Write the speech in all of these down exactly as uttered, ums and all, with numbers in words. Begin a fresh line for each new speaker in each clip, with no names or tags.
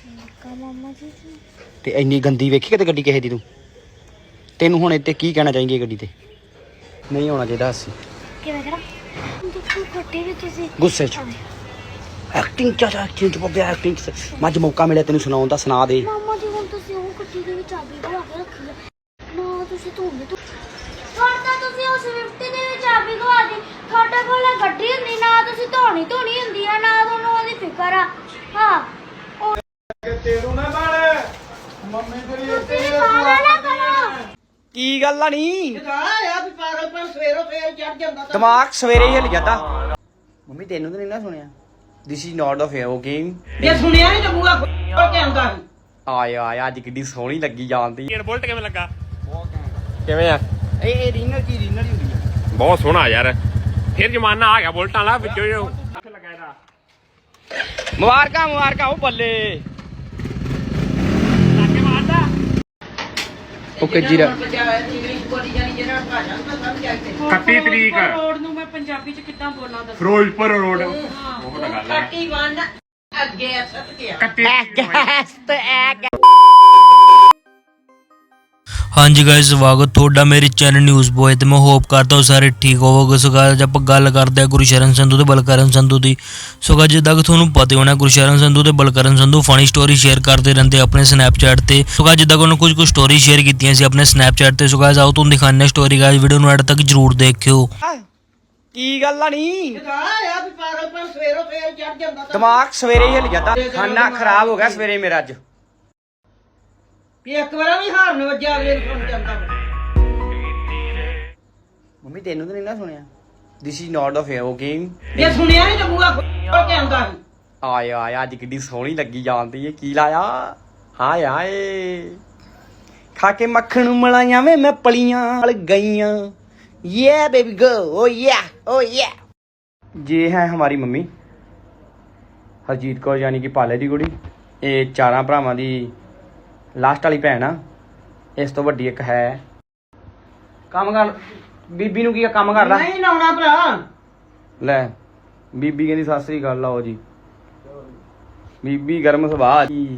ਮਾਮਾ ਜੀ
ਤੇ ਇੰਨੀ ਗੰਦੀ ਵੇਖੀ ਕਿਤੇ ਗੱਡੀ ਕਿਸੇ ਦੀ ਤੂੰ ਤੈਨੂੰ ਹੁਣ ਇੱਥੇ ਕੀ ਕਹਿਣਾ ਚਾਹੀਂਗੇ ਗੱਡੀ ਤੇ ਨਹੀਂ ਹੋਣਾ ਚਾਹੀਦਾ ਅਸੀਂ
ਕਿਵੇਂ ਕਰਾਂ ਦੇਖੋ ਗੱਡੀ ਵੀ ਤੁਸੀਂ
ਗੁੱਸੇ 'ਚ ਐਕਟਿੰਗ ਚ ਐਕਟਿੰਗ ਚ ਬੱਬੇ ਐਕਟਿੰਗ ਚ ਮੱਝ ਮੌਕਾ ਮਿਲਿਆ ਤੈਨੂੰ ਸੁਣਾਉਣ ਦਾ ਸੁਣਾ ਦੇ
ਮਾਮਾ ਜੀ ਹੁਣ ਤੁਸੀਂ ਉਹ ਗੱਡੀ ਦੇ ਵਿੱਚ ਚਾਬੀ ਗਵਾ ਕੇ ਰੱਖੀ ਹੈ ਨਾ ਤੁਸੀਂ ਧੋਂਦੇ ਤੂੰ ਤੁਹਾਡਾ ਤੁਸੀਂ ਉਸ ਸਵਿਫਟ ਦੇ ਵਿੱਚ ਚਾਬੀ ਗਵਾ ਦੀ ਤੁਹਾਡੇ ਕੋਲ ਗੱਡੀ ਹੁੰਦੀ ਨਾ ਤੁਸੀਂ ਧੋਣੀ ਧੋਣੀ ਹੁੰਦੀ ਆ ਨਾ ਤੁਹਾਨੂੰ ਉਹਦੀ ਫਿਕਰ ਆ ਹਾਂ
ਤੇਰੂ ਨਾ ਬਣ ਮੰਮੀ ਤੇਰੀ ਇੱਥੇ
ਤੁਸੀਂ ਪਾਗਲ ਨਾ ਕਰੋ
ਕੀ ਗੱਲ ਆ ਨਹੀਂ
ਆ ਵੀ ਪਾਗਲਪਨ ਸਵੇਰੋ ਸਵੇਰ ਚੜ ਜਾਂਦਾ ਤਾਂ
ਦਿਮਾਗ ਸਵੇਰੇ ਹੀ ਹਿੱਲ ਜਾਂਦਾ ਮੰਮੀ ਤੈਨੂੰ ਤਾਂ ਨਹੀਂ ਨਾ ਸੁਣਿਆ this is not a fair game
ਜੇ ਸੁਣਿਆ ਨਹੀਂ ਤਾਂ ਬੂਆ ਖੋਲ ਕੇ ਆਉਂਦਾ ਸੀ
ਆਇਆ ਆਇਆ ਅੱਜ ਕਿੱਡੀ ਸੋਹਣੀ ਲੱਗੀ ਜਾਂਦੀ
ਇਹ ਬੁਲਟ ਕਿਵੇਂ ਲੱਗਾ ਕਿਵੇਂ ਆ
ਇਹ ਇਹ ਰੀਨਰ ਕੀ ਰੀਨਰ ਹੀ ਹੁੰਦੀ ਆ
ਬਹੁਤ ਸੋਹਣਾ ਯਾਰ ਫਿਰ ਜ਼ਮਾਨਾ ਆ ਗਿਆ ਬੁਲਟਾਂ ਵਾਲਾ ਵਿੱਚੋਂ ਕਿੱਥੇ ਲੱਗਾ ਇਹਦਾ
ਮੁਬਾਰਕਾਂ ਮੁਬਾਰਕਾਂ ਉਹ ਬੱਲੇ
ਲਾਗੇ ਮਾਰਦਾ
ਓਕੇ ਜੀਰਾ
ਇੰਗਲਿਸ਼ ਬੋਲੀ ਜਾਨੀ ਜਿਹੜਾ ਭਾਸ਼ਾ ਨੂੰ ਸਮਝ ਆਈ
ਇਕੱਤੀ ਤਰੀਕ
ਰੋਡ ਨੂੰ ਮੈਂ ਪੰਜਾਬੀ ਚ ਕਿੱਦਾਂ ਬੋਲਾਂ ਦੱਸ
ਫਿਰੋਜ਼ਪੁਰ ਰੋਡ ਉਹ ਤਾਂ ਗੱਲ ਹੈ
ਇਕੱਤੀ ਅੱਗੇ ਸੱਤ ਗਿਆ
ਇਕੱਤੀ
ਹਾਂਜੀ ਗਾਇਸ ਸਵਾਗਤ ਤੁਹਾਡਾ ਮੇਰੇ ਚੈਨਲ ਨਿਊਜ਼ ਬੋਏ ਤੇ ਮੈਂ ਹੋਪ ਕਰਦਾ ਹਾਂ ਸਾਰੇ ਠੀਕ ਹੋਵੋਗੇ। ਸੋ ਗਾਇਸ ਆਪਾਂ ਗੱਲ ਕਰਦੇ ਹਾਂ ਗੁਰਸ਼ਰਨ ਸੰਧੂ ਤੇ ਬਲਕਰਨ ਸੰਧੂ ਦੀ। ਸੋ ਗਾਇਸ ਜਿੱਦਾਂ ਕਿ ਤੁਹਾਨੂੰ ਪਤਾ ਹੋਣਾ ਗੁਰਸ਼ਰਨ ਸੰਧੂ ਤੇ Balkaran Sandhu funny story share ਕਰਦੇ ਰਹਿੰਦੇ ਆਪਣੇ ਸਨੈਪਚੈਟ ਤੇ। ਸੋ ਗਾਇਸ ਜਿੱਦਾਂ ਕਿ ਉਹਨਾਂ ਕੁਝ ਕੁ ਸਟੋਰੀ ਸ਼ੇਅਰ ਕੀਤੀਆਂ ਸੀ ਆਪਣੇ ਸਨੈਪਚੈਟ ਤੇ। ਸੋ ਗਾਇਸ ਆਓ ਤੁਹਾਨੂੰ ਦਿਖਾਉਂਦੇ ਹਾਂ ਸਟੋਰੀ ਗਾਇਸ ਵੀਡੀਓ ਨੂੰ ਐਡ ਤੱਕ ਜਰੂਰ ਦੇਖਿਓ।
ਕੀ ਗੱਲ ਆ ਨਹੀਂ
ਆ ਵੀ ਪਾਗਲਪਨ ਸਵੇਰੋ ਸਵੇਰ ਚੜ ਜਾਂਦਾ ਤਾਂ
ਦਿਮਾਗ ਸਵੇਰੇ ਹੀ ਹਿੱਲ ਜਾਂਦਾ ਖਾਣਾ ਖਰਾਬ ਹੋ ਗਿਆ ਸਵੇਰੇ ਮੇਰਾ ਅੱਜ
ਵੀ ਇੱਕ ਵਾਰ ਵੀ ਹਾਰਨ ਵੱਜਿਆ ਅਗਲੇ ਨੂੰ ਸੁਣ ਜਾਂਦਾ
ਮੰਮੀ ਤੈਨੂੰ ਤਾਂ ਨਹੀਂ ਨਾ ਸੁਣਿਆ this is not a fair game
ਜੇ ਸੁਣਿਆ ਨਹੀਂ ਤਾਂ ਬੂਆ ਖੋਲ ਕੇ ਆਉਂਦਾ ਸੀ
ਆਇਆ ਆਇਆ ਅੱਜ ਕਿੱਡੀ ਸੋਹਣੀ ਲੱਗੀ ਜਾਂਦੀ ਏ ਕੀ ਲਾਇਆ ਹਾਏ ਹਾਏ ਖਾ ਕੇ ਮੱਖਣ ਮਲਾਈਆਂ ਵੇ ਮੈਂ ਪਲੀਆਂ ਨਾਲ ਗਈਆਂ ਯੇ ਬੇਬੀ ਗੋ ਓ ਯਾ ਓ ਯਾ ਜੇ ਹੈ ਹਮਾਰੀ ਮੰਮੀ ਹਰਜੀਤ ਕੌਰ ਯਾਨੀ ਕਿ ਪਾਲੇ ਦੀ ਕੁੜੀ ਇਹ ਚਾਰਾਂ ਭਰਾਵਾਂ ਦੀ ਲਾਸਟ ਵਾਲੀ ਭੈਣ ਆ ਇਸ ਤੋਂ ਵੱਡੀ ਇੱਕ ਹੈ ਕੰਮ ਕਰ ਬੀਬੀ ਨੂੰ ਕੀ ਕੰਮ ਕਰਦਾ
ਨਹੀਂ ਲਾਉਣਾ ਭਰਾ
ਲੈ ਬੀਬੀ ਕਹਿੰਦੀ ਸਤਿ ਸ੍ਰੀ ਅਕਾਲ ਲਾਓ ਜੀ ਬੀਬੀ ਗਰਮ ਸੁਭਾਅ ਜੀ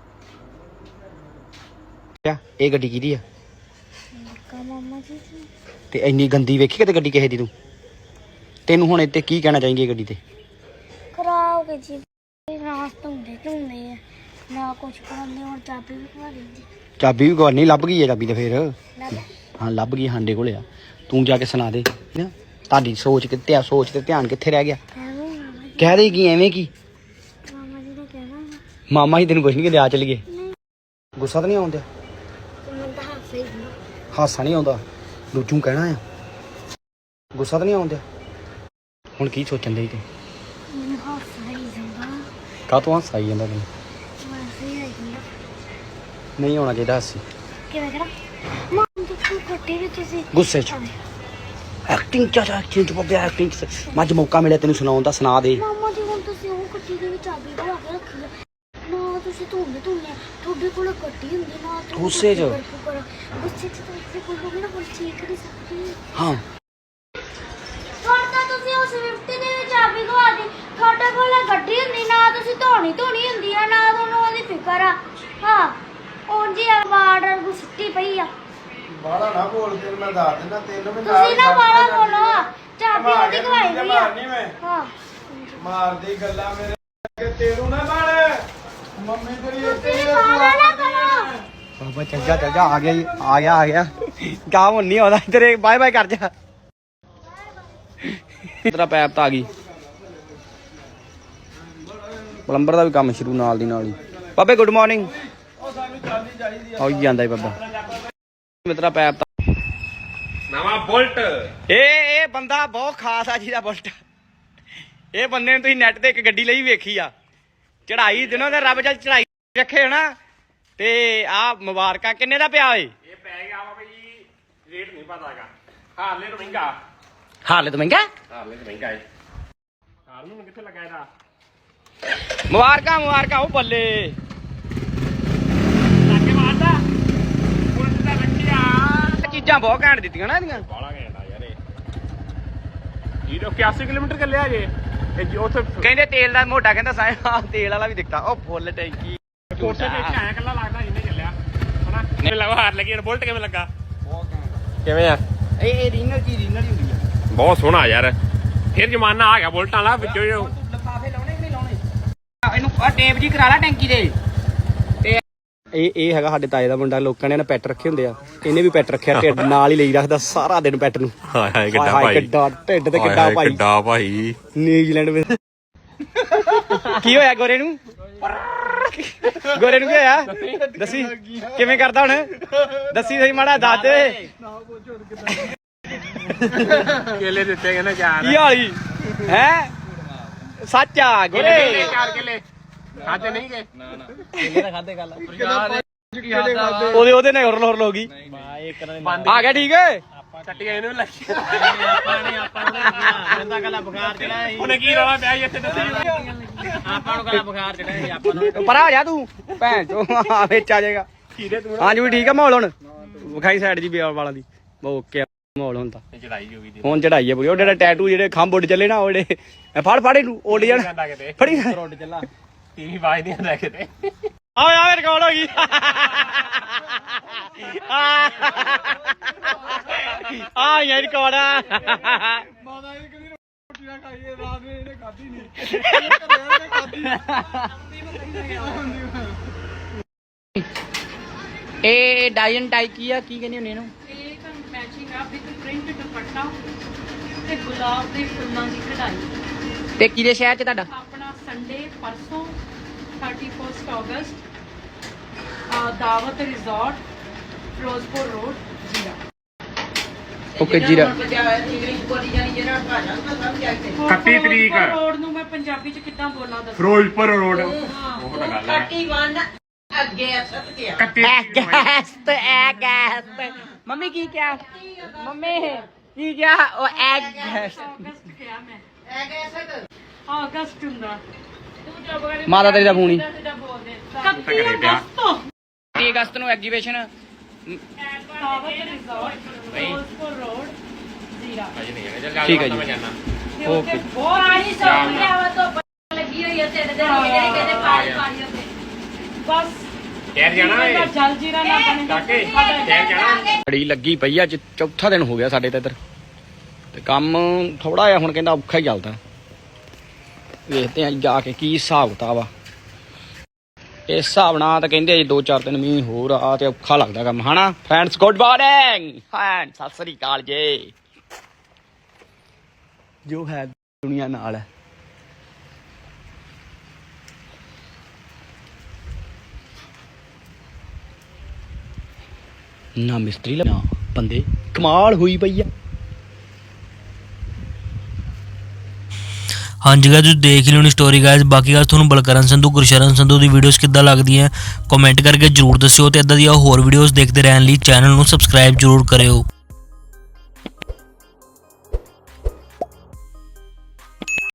ਇਹ ਗੱਡੀ ਕਿਹਦੀ ਆ
ਮਾਮਾ ਜੀ
ਤੇ ਇੰਨੀ ਗੰਦੀ ਵੇਖੀ ਕਿਤੇ ਗੱਡੀ ਕਿਸੇ ਦੀ ਤੂੰ ਤੈਨੂੰ ਹੁਣ ਇੱਥੇ ਕੀ ਕਹਿਣਾ ਚਾਹੀਂਗੇ ਗੱਡੀ ਤੇ
ਖਰਾਬ ਕੇ ਜੀ ਰਾਸ ਧੋਂਦੇ ਧੋਂਦੇ ਆ ਨਾ ਕੁਛ ਕਰਾਂਦੇ ਹੁਣ ਚਾਬੀ ਵੀ ਖਵਾ ਦਿੰਦੀ
ਚਾਬੀ ਵੀ ਕੋਈ ਨਹੀਂ ਲੱਭ ਗਈ ਹੈ ਚਾਬੀ ਤੇ ਫੇਰ
ਲੱਗ
ਹਾਂ ਲੱਭ ਗਈ ਹਾਂਡੇ ਕੋਲੇ ਆ ਤੂੰ ਜਾ ਕੇ ਸੁਣਾ ਦੇ ਨਾ ਤੁਹਾਡੀ ਸੋਚ ਕਿੱਥੇ ਆ ਸੋਚ ਤੇ ਧਿਆਨ ਕਿੱਥੇ ਰਹਿ ਗਿਆ
ਐਵੇਂ ਮਾਮਾ ਜੀ
ਕਹਿ ਰਹੀ ਕੀ ਐਵੇਂ ਕੀ
ਮਾਮਾ ਜੀ ਨੇ ਕਹਿਣਾ ਵਾ,
ਮਾਮਾ ਹੀ ਤੈਨੂੰ ਕੁਛ ਨਹੀਂ ਕਹਿੰਦੇ ਆ ਚੱਲੀਏ
ਨਹੀਂ
ਗੁੱਸਾ ਤਾਂ ਨਹੀਂ ਆਉਂਦਾ
ਮੈਨੂੰ ਤਾਂ ਹਾਸੇ ਹੀ ਨਾ
ਹਾਸਾ ਨਹੀਂ ਆਉਂਦਾ ਦੂਜੂ ਕਹਿਣਾ ਆ ਗੁੱਸਾ ਤਾਂ ਨਹੀਂ ਆਉਂਦਾ ਹੁਣ ਕੀ ਸੋਚਣ ਦੇ ਤੂੰ
ਮੈਨੂੰ ਹਾਸਾ ਹੀ ਜਾਂਦਾ
ਕਾਹ ਤੋਂ ਹਾਸਾ ਆਈ ਜਾਂਦਾ ਤੈਨੂੰ
ਵੈਸੇ ਹੀ ਆਈ ਜਾਂਦਾ
ਨਹੀਂ ਹੋਣਾ ਚਾਹੀਦਾ ਹਾਸੀ
ਕਿਵੇਂ ਕਰਾਂ ਮਾਮਾ ਦੇਖੋ ਗੱਡੀ ਵੀ ਤੁਸੀਂ
ਗੁੱਸੇ 'ਚ ਐਕਟਿੰਗ ਚ ਐਕਟਿੰਗ ਚ ਬੱਬੇ ਐਕਟਿੰਗ ਚ ਮੱਝ ਮੌਕਾ ਮਿਲਿਆ ਤੈਨੂੰ ਸੁਣਾਉਣ ਦਾ ਸੁਣਾ ਦੇ
ਮਾਮਾ ਜੀ ਹੁਣ ਤੁਸੀਂ ਉਹ ਗੱਡੀ ਦੇ ਵਿੱਚ ਚਾਬੀ ਗਵਾ ਕੇ ਰੱਖੀ ਹੈ ਨਾ ਤੁਸੀਂ ਧੋਂਦੇ ਧੋਂਦੇ ਆ ਤੁਹਾਡੇ ਕੋਲ ਗੱਡੀ ਹੁੰਦੀ ਨਾ ਤੁਸੀਂ
ਗੁੱਸੇ 'ਚ?
ਫਿਕਰ ਕਰੋ। ਗੁੱਸੇ 'ਚ ਤਾਂ ਇੱਥੇ ਕੋਈ ਹੋਵੇ ਨਾ ਕੋਈ ਚੀਕ ਨਹੀਂ ਸਕਦੀ
ਹਾਂ
ਤੁਹਾਡਾ ਤੁਸੀਂ ਉਸ ਸਵਿਫਟ ਦੇ ਵਿੱਚ ਚਾਬੀ ਗਵਾ ਦੀ ਤੁਹਾਡੇ ਕੋਲ ਗੱਡੀ ਹੁੰਦੀ ਨਾ ਤੁਸੀਂ ਧੋਣੀ ਧੋਣੀ ਹੁੰਦੀ ਆ ਨਾ ਤੁਹਾਨੂੰ ਉਹਦੀ ਫਿਕਰ ਆ ਹਾਂ ਉਂਝ ਹੀ ਆਵਾਜ਼ ਗੁੱਸਟੀ ਪਈ ਆ
ਬਾੜਾ ਨਾ ਬੋਲ ਤੈਨੂੰ ਮੈਂ ਦੱਸ ਦਿੰਦਾ ਤੈਨੂੰ ਵੀ
ਤੁਸੀਂ ਨਾ ਬਾਲਾ ਬੋਲੋ ਚਾਬੀ ਉਹਦੀ ਗਵਾਈ
ਨਹੀਂ
ਹੋਈ ਆ
ਮਾਰਨੀ ਮੈਂ
ਹਾਂ
ਮਾਰਦੀ ਗੱਲਾਂ ਮੇਰੇ ਤੇਰੂ ਨਾ ਬਣ ਮੰਮੀ ਤੇਰੀ ਇੱਥੇ
ਤੁਸੀਂ ਪਾਗਲ ਨਾ ਕਰੋ
ਬਾਬਾ ਚੱਲ ਜਾ ਚੱਲ ਜਾ ਆ ਗਿਆ ਜੀ ਆ ਗਿਆ ਆ ਗਿਆ ਕੰਮ ਨਹੀਂ ਆਉਂਦਾ ਤੇਰੇ ਬਾਏ ਬਾਏ ਕਰ ਜਾ ਤੇਰਾ ਪੈਪ ਤਾਂ ਆ ਗਈ ਪਲੰਬਰ ਦਾ ਵੀ ਕੰਮ ਸ਼ੁਰੂ ਨਾਲ ਦੀ ਨਾਲ ਹੀ ਬਾਬੇ ਗੁੱਡ ਮਾਰਨਿੰਗ
ਉਹ ਸਾਨੂੰ ਚਾਲੀ ਚਾਹੀਦੀ ਆ
ਆਈ ਜਾਂਦਾ ਹੀ ਬਾਬਾ ਮੇਰਾ ਪੈਪ ਤਾਂ
ਨਵਾਂ ਬੁਲਟ
ਇਹ ਇਹ ਬੰਦਾ ਬਹੁਤ ਖਾਸ ਆ ਜਿਹਦਾ ਬੁਲਟ ਇਹ ਬੰਦੇ ਨੇ ਤੁਸੀਂ ਨੈਟ ਤੇ ਇੱਕ ਗੱਡੀ ਲਈ ਵੇਖੀ ਆ ਚੜਾਈ ਦਿਨੋਂ ਤੇ ਰੱਬ ਜਲ ਚੜਾਈ ਰੱਖੇ ਹੋਣਾ ਤੇ ਆ ਮੁਬਾਰਕਾਂ ਕਿੰਨੇ ਦਾ ਪਿਆ ਓਏ
ਇਹ ਪੈ ਗਿਆ ਵਾ ਬਈ ਰੇਟ ਨਹੀਂ ਪਤਾ ਹੈਗਾ ਹਾਰਲੇ ਤੋਂ ਮਹਿੰਗਾ
ਹਾਲੇ ਤਾਂ ਮਹਿੰਗਾ
ਹਾਰਲੇ ਤੋਂ ਮਹਿੰਗਾ ਹੈ ਹਾਰ ਨੂੰ ਕਿੱਥੇ ਲੱਗਾ ਇਹਦਾ
ਮੁਬਾਰਕਾਂ ਮੁਬਾਰਕਾਂ ਉਹ ਬੱਲੇ
ਲਾਗੇ ਮਾਰਦਾ ਬੁਲਟ ਦਾ ਰੱਖਿਆ
ਚੀਜ਼ਾਂ ਬਹੁਤ ਘੈਂਟ ਦਿੱਤੀਆਂ ਨਾ ਇਹਦੀਆਂ
ਬਾਲਾ ਘੈਂਟਾ ਯਾਰ ਇਹ ਜ਼ੀਰੋ ਇਕਿਆਸੀ ਕਿਲੋਮੀਟਰ ਚੱਲਿਆ ਜੇ ਇਹ ਉੱਥੇ
ਕਹਿੰਦੇ ਤੇਲ ਦਾ ਮੋਟਾ ਕਹਿੰਦਾ ਸਾਇਆ ਤੇਲ ਵਾਲਾ ਵੀ ਦਿੱਤਾ ਉਹ ਫੁੱਲ ਟੈਂਕੀ
ਕੋਠੇ ਤੇ ਆਇਆ ਕੱਲਾ ਲੱਗਦਾ ਜਿੰਨੇ ਚੱਲਿਆ ਹਨਾ ਮੈਨੂੰ ਲੱਗਾ ਹਾਰ ਲੱਗੀ ਬੁਲਟ ਕਿਵੇਂ ਲੱਗਾ ਕਿਵੇਂ ਆ
ਇਹ ਇਹ ਰੀਨਲ ਕੀ ਰੀਨਲ ਹੀ ਹੁੰਦੀ ਆ
ਬਹੁਤ ਸੋਹਣਾ ਯਾਰ ਫਿਰ ਜ਼ਮਾਨਾ ਆ ਗਿਆ ਬੁਲਟਾਂ ਵਾਲਾ ਵਿੱਚੋਂ
ਲਫਾਫੇ ਲਾਉਣੇ ਕਿ ਨਹੀਂ ਲਾਉਣੇ ਇਹਨੂੰ ਆ ਟੇਪ ਜੀ ਕਰਾ ਲਾ ਟੈਂਕੀ ਦੇ ਤੇ ਇਹ ਇਹ ਹੈਗਾ ਸਾਡੇ ਤਾਏ ਦਾ ਮੁੰਡਾ ਲੋਕਾਂ ਨੇ ਨਾ ਪੈਟ ਰੱਖੇ ਹੁੰਦੇ ਆ ਇਹਨੇ ਵੀ ਪੈਟ ਰੱਖਿਆ ਢਿੱਡ ਨਾਲ ਹੀ ਲਈ ਰੱਖਦਾ ਸਾਰਾ ਦਿਨ ਪੈਟ ਨੂੰ
ਹਾਏ ਹਾਏ ਕਿੱਡਾ
ਹਾਏ
ਭਾਈ
ਕਿੱਡਾ ਢਿੱਡ ਤੇ ਕਿੱਡਾ ਭਾਈ
ਕਿੱਡਾ ਭਾਈ
ਨਿਊਜ਼ੀਲੈਂਡ ਵਿੱਚ ਕੀ ਹੋਇਆ ਗੋਰੇ ਨੂੰ ਗੋਰੇ ਨੂੰ ਕੀ ਹੋਇਆ ਦੱਸੀ ਕਿਵੇਂ ਕਰਦਾ ਹੁਣ ਦੱਸੀ ਸਹੀ ਮਾੜਾ ਦੱਸ ਦੇ
ਕੇਲੇ ਦਿੱਤੇ ਕਹਿੰਦੇ ਚਾਰ
ਕੀ ਹਾਲੀ ਹੈ ਸੱਚ ਆ ਗੋਰੇ
ਚਾਰ ਕੇਲੇ ਖਾਦੇ ਨਹੀਂ ਗਏ
ਉਹਦੇ ਉਹਦੇ ਨਾਲ ਹੋਰ ਹੋਰ ਹੋ ਗਈ ਆ ਗਿਆ ਠੀਕ ਹੈ
ਟੱਟੀਆਂ ਇਹਨੂੰ ਲੱਗੀ ਆਪਾਂ ਨੇ ਆਪਾਂ ਨੂੰ ਬੰਦਾ ਕੱਲਾ ਬੁਖਾਰ ਚੜਾਇਆ ਸੀ ਉਹਨੇ ਕੀ ਰੌਲਾ ਪਿਆ ਇੱਥੇ ਦੱਸੀ ਆਪਾਂ ਨੂੰ ਕੱਲਾ ਬੁਖਾਰ ਚੜਾਇਆ ਸੀ ਆਪਾਂ ਨੂੰ
ਪਰਾਂ ਹੋ ਜਾ ਤੂੰ ਭੈਣ ਚੋ ਆ ਵਿੱਚ ਆ ਜਾਏਗਾ ਹਾਂਜੀ ਵੀ ਠੀਕ ਆ ਮਾਹੌਲ ਹੁਣ ਵਿਖਾਈ ਸਾਈਡ ਜੀ ਬਿਆਰ ਵਾਲਾਂ ਦੀ ਓਕੇ ਮਾਹੌਲ ਹੁਣ ਤਾਂ
ਚੜਾਈ ਹੋ ਗਈ
ਹੁਣ ਚੜਾਈ ਆ ਪੂਰੀ ਉਹ ਜਿਹੜਾ ਟੈਟੂ ਜਿਹੜੇ ਖੰਭ ਉੱਡ ਚੱਲੇ ਨਾ ਉਹ ਜਿਹੜੇ ਫੜ ਫੜ ਇਹਨੂੰ ਉੱਡ ਜਾਣ ਫੜੀ
ਉੱਡ ਚੱਲਾ ਟੀਵੀ ਵਾਜ ਨਹੀਂ ਆਉਂਦਾ ਕਿਤੇ
ਆ ਆ ਰਿਕਾਰਡ ਹੋ ਗਈ ਆ ਯਾਰ ਰਿਕਾਰਡ ਆ
ਮਾਤਾ ਇਹ ਕਦੀ ਰੋਟੀ ਨਾ ਖਾਈਏ ਰਾਤ ਨੂੰ ਇਹਨੇ ਖਾਧੀ ਨਹੀਂ ਇਹਨੇ ਖਾਧੀ
ਇਹ ਡਾਇਨ ਟਾਈ ਕੀ ਆ ਕੀ ਕਹਿੰਦੇ ਹੁੰਦੇ ਇਹਨੂੰ
ਇਹ ਤਾਂ ਮੈਚਿੰਗ ਆ ਵਿਦ ਪ੍ਰਿੰਟ ਦੁਪੱਟਾ ਤੇ ਗੁਲਾਬ ਦੇ ਫੁੱਲਾਂ ਦੀ ਕਢਾਈ
ਤੇ ਕਿਹਦੇ ਸ਼ਹਿਰ ਚ ਤੁਹਾਡਾ
ਆਪਣਾ ਸੰਡੇ ਪਰਸੋਂ thirty-first ਅਗਸਤ ਆ Dawat resort Firozpur road Zira
okay Zira
English ਬੋਲੀ ਜਾਨੀ ਜਿਹੜਾ ਭਾਸ਼ਾ ਨੂੰ ਸਮਝ ਆਈ ਤੇ
ਇਕੱਤੀ ਤਰੀਕ
ਫਿਰੋਜ਼ਪੁਰ ਰੋਡ ਨੂੰ ਮੈਂ ਪੰਜਾਬੀ ਚ ਕਿੱਦਾਂ ਬੋਲਾਂ ਦੱਸੋ
ਫਿਰੋਜ਼ਪੁਰ ਰੋਡ ਉਹ ਤਾਂ ਗੱਲ ਹੈ
ਇਕੱਤੀ ਅੱਗੇ ਸੱਤ ਗਿਆ
ਇਕੱਤੀ
ਐਗੈਸਟ ਐਗੈਸਟ ਮੰਮੀ ਕੀ ਕਿਹਾ ਮੰਮੀ ਕੀ ਕਿਹਾ ਉਹ ਐਗੈਸਟ
ਅਗਸਤ ਕਿਹਾ ਮੈਂ
ਐਗੇ ਸੱਤ
ਅਗਸਤ ਹੁੰਦਾ
ਮਾਤਾ ਤੇਰੀ ਦਾ ਫੋਨ ਹੀ
ਇਕੱਤੀ ਅਗਸਤ ਤੋਂ
ਤੀਹ ਅਗਸਤ ਨੂੰ exhibition
Dawat resort Firozpur road Zira
ਠੀਕ ਹੈ ਜੀ।
ਮੈਂ ਜਾਣਾ
ਓਕੇ
ਬਹੁਤ ਪਾਣੀ ਸੌਂ ਗਿਆ ਵਾ ਤੋਂ ਲੱਗੀ ਹੋਈ ਹੈ ਤਿੰਨ ਦਿਨ ਜਿਹੜੀ ਕਹਿੰਦੇ ਪਾਣੀ ਪਾਣੀ ਉੱਤੇ ਬਸ
ਸ਼ਹਿਰ ਜਾਣਾ ਏ
ਜਲ ਜੀਰਾ ਨਾ ਬਣੇ
ਕਾਕੇ ਸ਼ਹਿਰ ਜਾਣਾ
ਬੜੀ ਲੱਗੀ ਪਈ ਆ ਅੱਜ ਚੌਥਾ ਦਿਨ ਹੋ ਗਿਆ ਸਾਡੇ ਤੇ ਇੱਧਰ ਤੇ ਕੰਮ ਥੋੜਾ ਜਿਹਾ ਹੁਣ ਕਹਿੰਦਾ ਔਖਾ ਹੀ ਚੱਲਦਾ ਵੇਖਦੇ ਆ ਜਾ ਕੇ ਕੀ ਹਿਸਾਬ ਕਿਤਾਬ ਆ ਇਸ ਹਿਸਾਬ ਨਾਲ ਤਾਂ ਕਹਿੰਦੇ ਜੀ ਦੋ ਚਾਰ ਦਿਨ ਮੀਂਹ ਹੋਰ ਆ ਤੇ ਔਖਾ ਲੱਗਦਾ ਕੰਮ ਹਨਾ ਫਰੈਂਡਸ ਗੁੱਡ ਮਾਰਨਿੰਗ ਹਾਂ ਸਤਿ ਸ੍ਰੀ ਅਕਾਲ ਜੀ ਜੋ ਹੈ ਦੁਨੀਆ ਨਾਲ ਹੈ ਨਾ ਮਿਸਤਰੀ ਨਾ ਬੰਦੇ ਕਮਾਲ ਹੋਈ ਪਈ ਆ
ਹਾਂਜੀ ਗਾਇਸ ਤੁਸੀਂ ਦੇਖ ਲਿਓ ਨੀ ਸਟੋਰੀ ਗਾਇਸ ਬਾਕੀ ਗੱਲ ਤੁਹਾਨੂੰ ਬਲਕਰਨ ਸੰਧੂ ਗੁਰਸ਼ਰਨ ਸੰਧੂ ਦੀ ਵੀਡੀਓਜ਼ ਕਿੱਦਾਂ ਲੱਗਦੀਆਂ ਕਮੈਂਟ ਕਰਕੇ ਜਰੂਰ ਦੱਸਿਓ ਤੇ ਇਦਾਂ ਦੀਆਂ ਹੋਰ ਵੀਡੀਓਜ਼ ਦੇਖਦੇ ਰਹਿਣ ਲਈ ਚੈਨਲ ਨੂੰ ਸਬਸਕ੍ਰਾਈਬ ਜਰੂਰ ਕਰਿਓ।